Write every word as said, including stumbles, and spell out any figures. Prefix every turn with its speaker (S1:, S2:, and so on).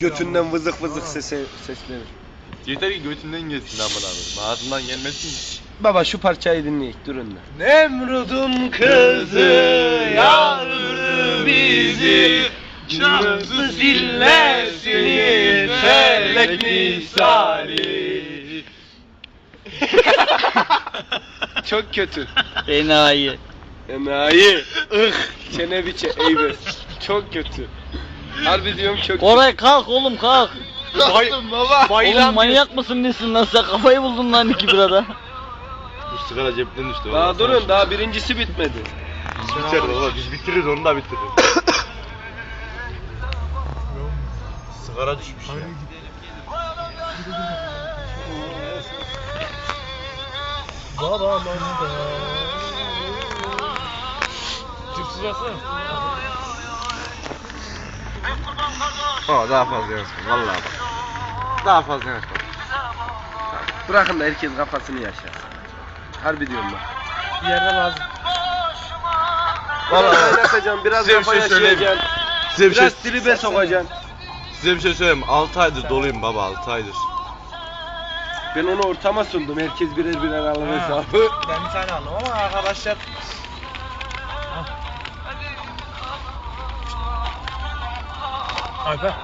S1: Götünden vızık vızık sesi, sesleri.
S2: Yeter ki götünden gelsin aman abi. Ağzından gelmesin.
S1: Baba şu parçayı dinleyik durun da.
S3: Nemrud'un kızı yardı bizi, çaktı zillesini felek misali.
S1: Çok kötü.
S4: Enayi.
S1: Enayi. Ih. Çene biçe eybes. Çok kötü. Harbi diyorum çok kötü.
S4: Koray kalk oğlum kalk.
S3: Kalktım baba.
S4: Oğlum manyak mısın nesin lan sen kafayı buldun lan iki birada.
S2: Bu sigara cepten düştü.
S1: Daha durun daha birincisi bitmedi.
S2: Biter baba biz bitiririz onu da bitiririz. Sigara düşmüş ya.
S3: Baba bana Cipsiz versene.
S2: Aa daha fazla yanaşma vallahi bak. Daha fazla yanaşma.
S1: Bırakın da herkes kafasını yaşasın. Harbi diyorum bak.
S3: Bir yerde lazım.
S1: Vallahi oynatacağım biraz
S2: Size bir
S1: kafa
S2: şey söyleyeyim mi?
S1: yaşayacaksın.
S2: Size bir şey,
S1: Biraz tribe sokacaksın.
S2: size bir şey söyleyeyim. altı aydır doluyum baba altı aydır.
S1: Ben onu ortama sundum. Herkes birer birer alır hesabı.
S3: Ben bir tane aldım ama arkadaşlar. Alper.